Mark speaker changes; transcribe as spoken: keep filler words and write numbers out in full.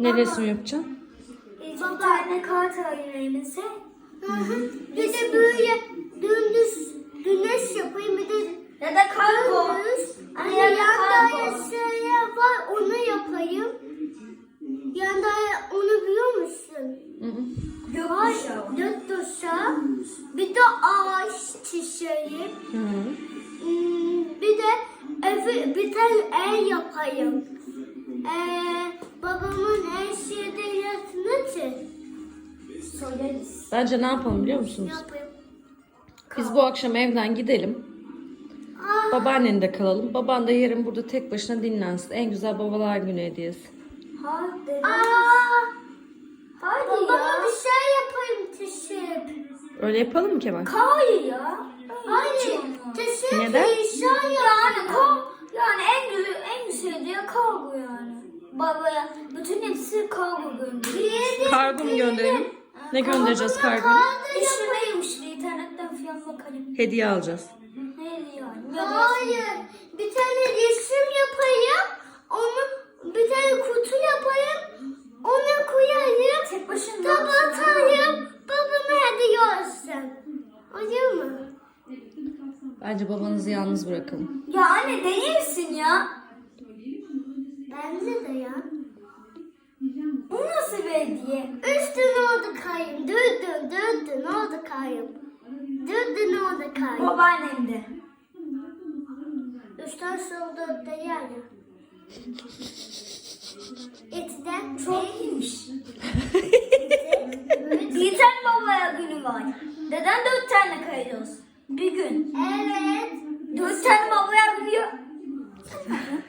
Speaker 1: Ne resim yapacaksın?
Speaker 2: Bir tane kart alayım elimize. Bir de böyle dümdüz güneş yapayım. Bir de ya da kargo. Hani yanda yaşaya var onu yapayım. Yanda onu biliyor musun? Gökkuşağı. Gökkuşağı. Bir de ağaç çiçeği. Hmm, bir de evi, bir tane ev yapayım. Ee, babamın en şeyde yatını çiz. Söyleriz.
Speaker 1: Bence ne yapalım biliyor musunuz?
Speaker 2: Yapayım.
Speaker 1: Biz bu akşam evden gidelim.
Speaker 2: Aa,
Speaker 1: Babaannende kalalım. Baban da yarın burada tek başına dinlensin. En güzel babalar günü hediyesi.
Speaker 2: hadi. Aa, hadi babama ya. Bir şey yapayım teşekkür.
Speaker 1: Öyle yapalım mı Kemal?
Speaker 2: Hayır ya. Hayır. Teşekkür.
Speaker 1: Neden?
Speaker 2: Yani kal, yani en güzel en güzel diye kargo yani. Babaya bütün hepsi kargo gönderiyor.
Speaker 1: Kargo mu gönderelim? Ne göndereceğiz kargoya?
Speaker 2: İşlemeyim işte internetten falan bakalım.
Speaker 1: Hediye alacağız.
Speaker 2: Ne yani? Hayır. Bir tane resim yapayım. Onu bir tane kutu yapayım. Ona koyayım. Tek başına kapatayım. Babama hediye olsun. Olur mu?
Speaker 1: Bence babanızı yalnız bırakalım.
Speaker 2: Ya anne değilsin ya. Bence de ya. O nasıl bir hediye? Üstüne oldu kayım. Dürdün dürdün oldu kayım. Dürdün oldu kayım. Babaannem de. Üstten solda da yani. Etiden çok iyiymiş. Bir tane babaya günü var. Neden dört tane kayıyoruz? Bir gün. Evet. Dört tane babaya günü yok.